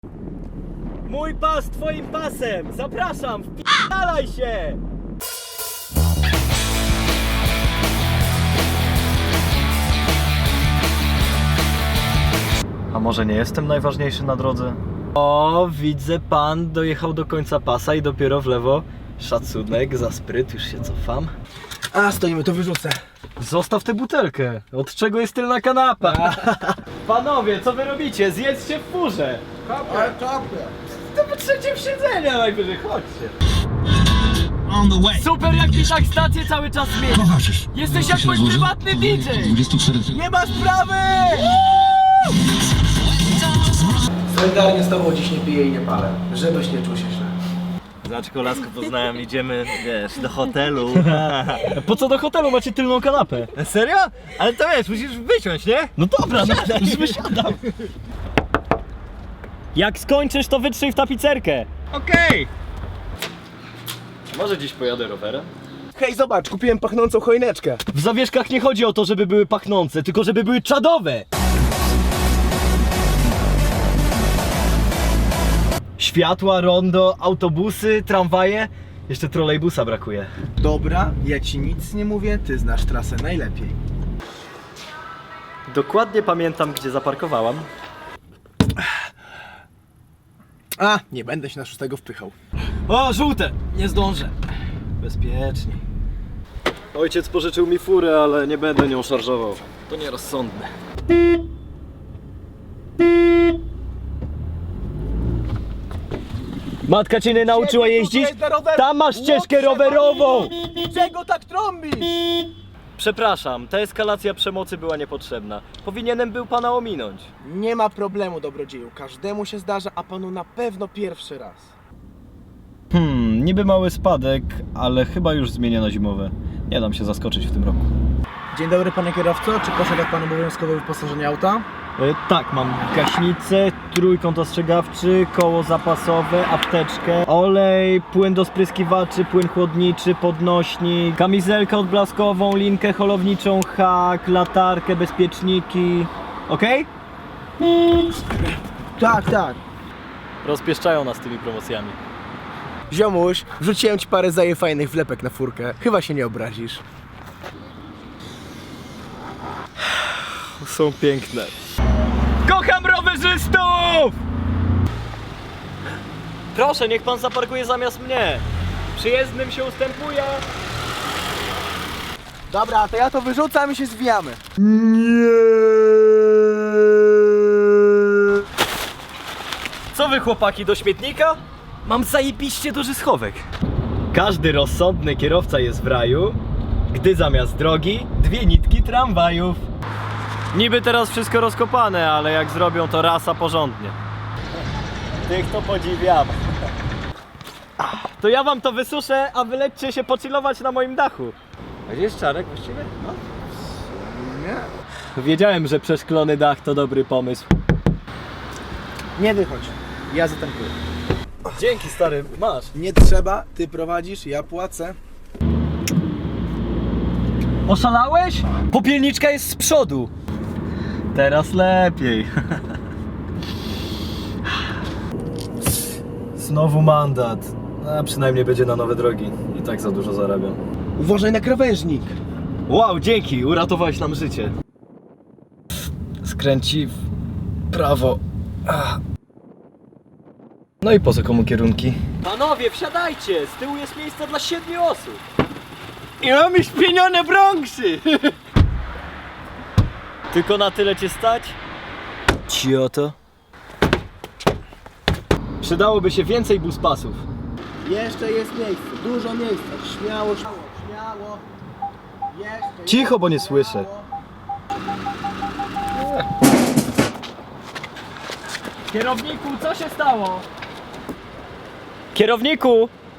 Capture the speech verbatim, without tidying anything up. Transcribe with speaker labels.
Speaker 1: Mój pas twoim pasem! Zapraszam! Wpi***alaj się! A może nie jestem najważniejszy na drodze? O, widzę, pan dojechał do końca pasa i dopiero w lewo. Szacunek za spryt, już się cofam.
Speaker 2: A, stoimy, to wyrzucę.
Speaker 1: Zostaw tę butelkę. Od czego jest tylna kanapa? Panowie, co wy robicie? Zjedzcie w furze.
Speaker 2: Kapę, kapę.
Speaker 1: To po trzecim siedzenia najwyżej, chodźcie. Super, jak mi tak stację cały czas zmienia.
Speaker 3: Towarzysz,
Speaker 1: Jesteś jak mój prywatny D J.
Speaker 3: dwadzieścia cztery.
Speaker 2: Nie ma sprawy! Solidarnie z tobą dziś nie piję i nie palę, żebyś nie czuł się źle.
Speaker 1: Znaczy, lasko poznałem, idziemy, wiesz, do hotelu. Po co do hotelu? Macie tylną kanapę. Serio? Ale to wiesz, musisz wysiąść, nie? No dobra, no, już wysiadam. Jak skończysz, to wytrzyj w tapicerkę. Okej. Może dziś pojadę rowerem?
Speaker 2: Hej, zobacz, kupiłem pachnącą choineczkę.
Speaker 1: W zawieszkach nie chodzi o to, żeby były pachnące, tylko żeby były czadowe. Światła, rondo, autobusy, tramwaje. Jeszcze trolejbusa brakuje.
Speaker 2: Dobra, ja ci nic nie mówię, ty znasz trasę najlepiej.
Speaker 1: Dokładnie pamiętam, gdzie zaparkowałam.
Speaker 2: A, nie będę się na szóstego wpychał.
Speaker 1: O, żółte! Nie zdążę. Bezpiecznie. Ojciec pożyczył mi furę, ale nie będę nią szarżował. To nierozsądne. Matka cię nie nauczyła jeździć? Tam masz ścieżkę rowerową!
Speaker 2: Czego tak trąbisz?
Speaker 1: Przepraszam, ta eskalacja przemocy była niepotrzebna. Powinienem był pana ominąć.
Speaker 2: Nie ma problemu, dobrodzieju. Każdemu się zdarza, a panu na pewno pierwszy raz.
Speaker 1: Hmm, niby mały spadek, ale chyba już zmienię na zimowe. Nie dam się zaskoczyć w tym roku.
Speaker 2: Dzień dobry, panie kierowco. Czy posiada pan obowiązkowe wyposażenie auta?
Speaker 1: E, tak, mam gaśnicę, trójkąt ostrzegawczy, koło zapasowe, apteczkę, olej, płyn do spryskiwaczy, płyn chłodniczy, podnośnik, kamizelkę odblaskową, linkę holowniczą, hak, latarkę, bezpieczniki. Okej?
Speaker 2: Tak, tak.
Speaker 1: Rozpieszczają nas tymi promocjami.
Speaker 2: Ziomuś, wrzuciłem ci parę zaje fajnych wlepek na furkę. Chyba się nie obrazisz.
Speaker 1: Są piękne. Kocham rowerzystów! Proszę, niech pan zaparkuje zamiast mnie. Przyjezdnym się ustępuje.
Speaker 2: Dobra, to ja to wyrzucam i się zwijamy.
Speaker 1: Co wy, chłopaki, do śmietnika? Mam zajebiście duży schowek. Każdy rozsądny kierowca jest w raju, gdy zamiast drogi dwie nitki tramwajów. Niby teraz wszystko rozkopane, ale jak zrobią, to rasa porządnie. Tych to podziwiam. To ja wam to wysuszę, a wy lećcie się pochillować na moim dachu. A gdzie jest Czarek właściwie? No.
Speaker 2: Nie.
Speaker 1: Wiedziałem, że przeszklony dach to dobry pomysł.
Speaker 2: Nie wychodź. Ja zatankuję.
Speaker 1: Dzięki, stary, masz.
Speaker 2: Nie trzeba, ty prowadzisz, ja płacę.
Speaker 1: Oszalałeś? Popielniczka jest z przodu. Teraz lepiej. Znowu mandat. A przynajmniej będzie na nowe drogi. I tak za dużo zarabiam.
Speaker 2: Uważaj na krawężnik.
Speaker 1: Wow, dzięki, uratowałeś nam życie. Skręci w prawo. Ach. No i po co komu kierunki? Panowie, wsiadajcie! Z tyłu jest miejsce dla siedmiu osób. I mamy śpienione Bronxy! Tylko na tyle cię stać? Cioto. Przydałoby się więcej buspasów.
Speaker 2: Jeszcze jest miejsce, dużo miejsca. Śmiało, śmiało, śmiało. Jeszcze,
Speaker 1: Cicho, bo nie
Speaker 2: śmiało.
Speaker 1: słyszę. Kierowniku, co się stało? Kierowniku!